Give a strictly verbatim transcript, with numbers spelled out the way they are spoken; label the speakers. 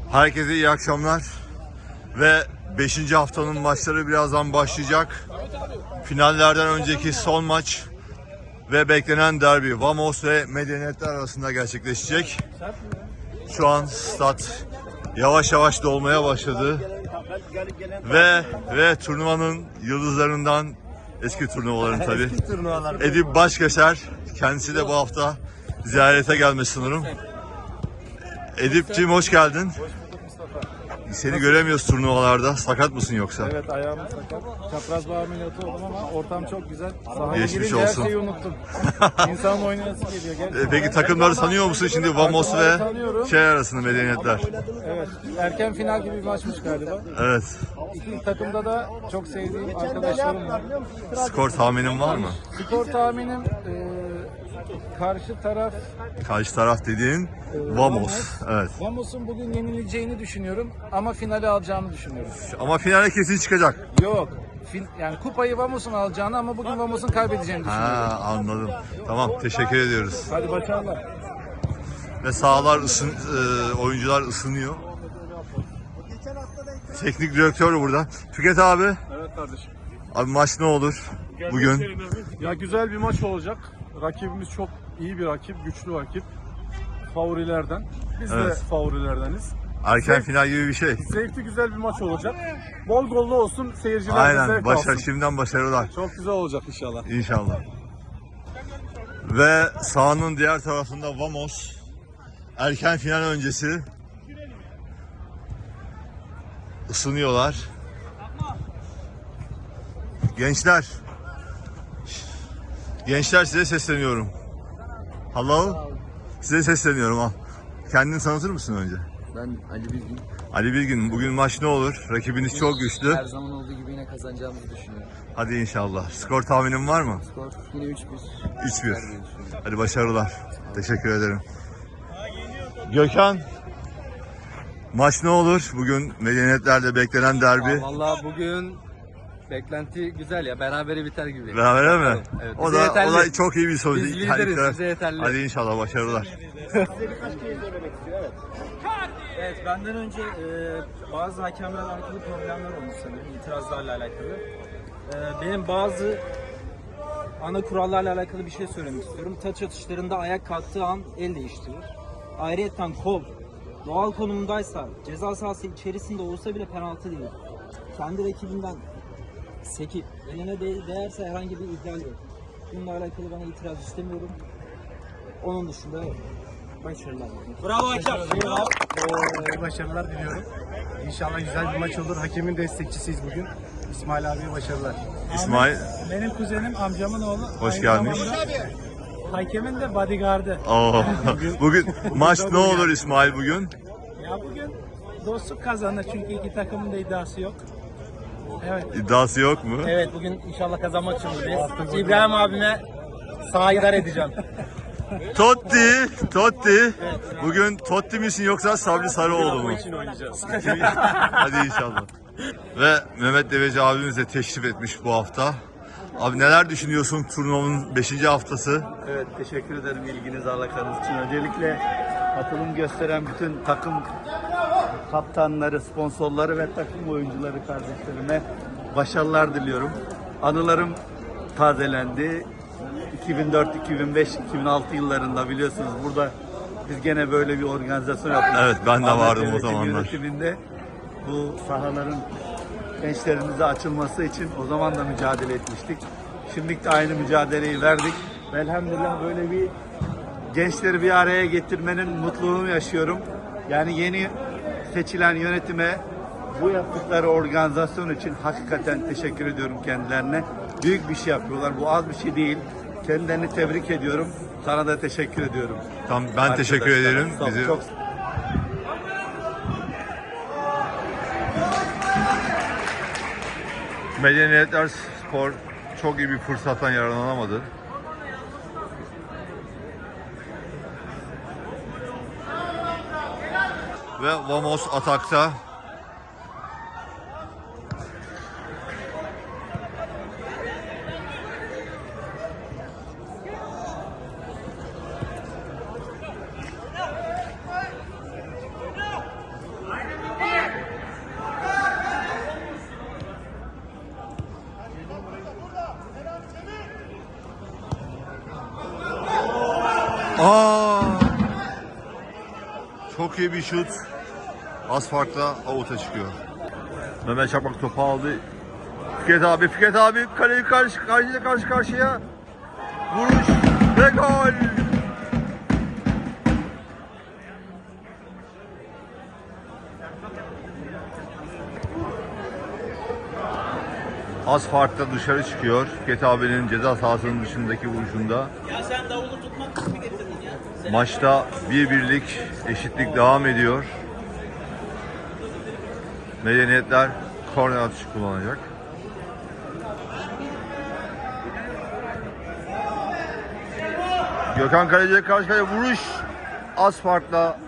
Speaker 1: Herkese iyi akşamlar ve beşinci haftanın maçları birazdan başlayacak. Finallerden önceki son maç ve beklenen derbi Vamos ve Medeniyetler arasında gerçekleşecek. Şu an stat yavaş yavaş dolmaya başladı ve ve turnuvanın yıldızlarından, eski turnuvaların tabii, Edip Başkeser, kendisi de bu hafta ziyarete gelmiş sanırım. Edip'ciğim hoş geldin. Seni göremiyoruz turnuvalarda. Sakat mısın yoksa?
Speaker 2: Evet, ayağım sakat. Çapraz bağ ameliyatı oldum ama ortam çok güzel. Sahaya
Speaker 1: Geçmiş
Speaker 2: girince
Speaker 1: olsun.
Speaker 2: her şeyi unuttum. İnsanın oynayası geliyor. Gerçekten.
Speaker 1: E, Peki takımları tanıyor musun şimdi Vamos ve
Speaker 2: Tanıyorum.
Speaker 1: şey arasında Medeniyetler?
Speaker 2: Evet, erken final gibi bir maçmış galiba.
Speaker 1: Evet.
Speaker 2: İki takımda da çok sevdiğim arkadaşlarım var.
Speaker 1: Skor tahminin var mı?
Speaker 2: Skor tahminim e, karşı taraf
Speaker 1: Karşı taraf dediğin Vamos. Evet.
Speaker 2: Vamos'un bugün yenileceğini düşünüyorum ama finali alacağını düşünüyorum.
Speaker 1: Ama finale kesin çıkacak.
Speaker 2: Yok. Fin, yani kupayı Vamos'un alacağını ama bugün Vamos'un kaybedeceğini düşünüyorum.
Speaker 1: Ha, anladım. Tamam, teşekkür ediyoruz.
Speaker 2: Hadi başarılar.
Speaker 1: Ve sahalar ısın, e, oyuncular ısınıyor. Teknik direktör burada. Tüket abi.
Speaker 2: Evet kardeşim.
Speaker 1: Abi maç ne olur bugün?
Speaker 2: Ya güzel bir maç olacak. Rakibimiz çok iyi bir rakip, güçlü rakip. Favorilerden. Biz
Speaker 1: Evet.
Speaker 2: de favorilerdeniz.
Speaker 1: Erken
Speaker 2: Zevk-
Speaker 1: final gibi bir şey.
Speaker 2: Zevkli güzel bir maç olacak. Bol gollu olsun, seyirciler de
Speaker 1: Aynen.
Speaker 2: zevk
Speaker 1: Başar,
Speaker 2: alsın.
Speaker 1: şimdiden başarılar.
Speaker 2: Çok güzel olacak inşallah.
Speaker 1: İnşallah. Ve sahanın diğer tarafında Vamos. Erken final öncesi ısınıyorlar. Gençler. Gençler size sesleniyorum. Hello. Size sesleniyorum ha. Kendini tanıtır mısın önce?
Speaker 3: Ben Ali Bilgin.
Speaker 1: Ali Bilgin, bugün maç ne olur? Rakibiniz çok güçlü.
Speaker 3: Her zaman olduğu gibi yine kazanacağımızı düşünüyorum.
Speaker 1: Hadi inşallah. Skor tahminin var mı?
Speaker 3: Skor yine üç bir.
Speaker 1: üç bir. Hadi başarılar. Teşekkür ederim. Gökhan. Maç ne olur? Bugün Medeniyetler'de beklenen derbi.
Speaker 3: Vallahi bugün beklenti güzel ya. Berabere biter gibi.
Speaker 1: Beraber mi?
Speaker 3: Evet,
Speaker 1: O
Speaker 3: bize
Speaker 1: da,
Speaker 3: yeterli.
Speaker 1: o da çok iyi bir sonuç.
Speaker 3: Biz
Speaker 1: Her
Speaker 3: lideriz,
Speaker 1: iki taraf-
Speaker 3: bize yeterli.
Speaker 1: Hadi inşallah başarılar.
Speaker 4: Evet, benden önce e, bazı hakemlerle alakalı problemler olmuş sanırım, itirazlarla alakalı. E, benim bazı ana kurallarla alakalı bir şey söylemek istiyorum. Taç atışlarında ayak kalktığı an el değiştirir. Ayrıyeten kol doğal konumundaysa, ceza sahası içerisinde olsa bile penaltı değil. Kendi rakibinden sekip eline de değerse herhangi bir ihlal yok. Bununla alakalı bana itiraz istemiyorum. Onun dışında başarılar. Bravo hakem.
Speaker 2: Ee, başarılar diliyorum. İnşallah güzel bir maç olur. Hakemin destekçisiyiz bugün. İsmail abiye başarılar.
Speaker 1: İsmail,
Speaker 4: Benim kuzenim, amcamın oğlu.
Speaker 1: hoş
Speaker 4: Aynı
Speaker 1: gelmiş.
Speaker 4: zamanda Hakemin de bodyguardı.
Speaker 1: Oo. Bugün maç ne olur İsmail bugün?
Speaker 4: Ya bugün dostluk kazanır çünkü iki takımın da iddiası yok. Evet.
Speaker 1: İddiası yok mu?
Speaker 4: Evet, bugün inşallah kazanmak için buradayız. İbrahim abime sahidar edeceğim.
Speaker 1: Totti, Totti. Bugün Totti misin yoksa Sabri Sarıoğlu mu?
Speaker 4: oynayacağız.
Speaker 1: Hadi inşallah. Ve Mehmet Deveci abimiz de teşrif etmiş bu hafta. Abi neler düşünüyorsun turnuvanın beşinci haftası?
Speaker 5: Evet, teşekkür ederim ilginiz, alakanız için. Öncelikle katılım gösteren bütün takım kaptanları, sponsorları ve takım oyuncuları kardeşlerime başarılar diliyorum. Anılarım tazelendi. iki bin dört, iki bin beş, iki bin altı yıllarında biliyorsunuz burada biz gene böyle bir organizasyon yaptık.
Speaker 1: Evet, ben de
Speaker 5: Ahmet
Speaker 1: vardım o
Speaker 5: Yönetim
Speaker 1: zamanlar.
Speaker 5: Yönetiminde bu sahaların gençlerimize açılması için o zaman da mücadele etmiştik. Şimdi de aynı mücadeleyi verdik. Ve elhamdülillah böyle bir gençleri bir araya getirmenin mutluluğunu yaşıyorum. Yani yeni seçilen yönetime bu yaptıkları organizasyon için hakikaten teşekkür ediyorum kendilerine. Büyük bir şey yapıyorlar. Bu az bir şey değil. Kendilerini tebrik ediyorum. Sana da teşekkür ediyorum.
Speaker 1: Tam ben teşekkür
Speaker 5: Arkadaşlar,
Speaker 1: ederim.
Speaker 5: sağ olun.
Speaker 1: Bizi
Speaker 5: Çok
Speaker 1: Medeniyetler Spor çok iyi bir fırsattan yararlanamadı. Ve Vamos atakta. Aa! Çok iyi bir şut. Az farkla avuta çıkıyor. Mehmet Çakmak topu aldı. Fikret abi, Fikret abi kaleyi karşı karşıya karşı karşıya. Vuruş ve gol. Az farkla dışarı çıkıyor. Fikret abinin ceza sahasının dışındaki vuruşunda. Maçta bir birlik eşitlik devam ediyor. Medeniyetler korner atışı kullanacak. Gökhan Kaleci'ye karşı kaleye vuruş. Az farkla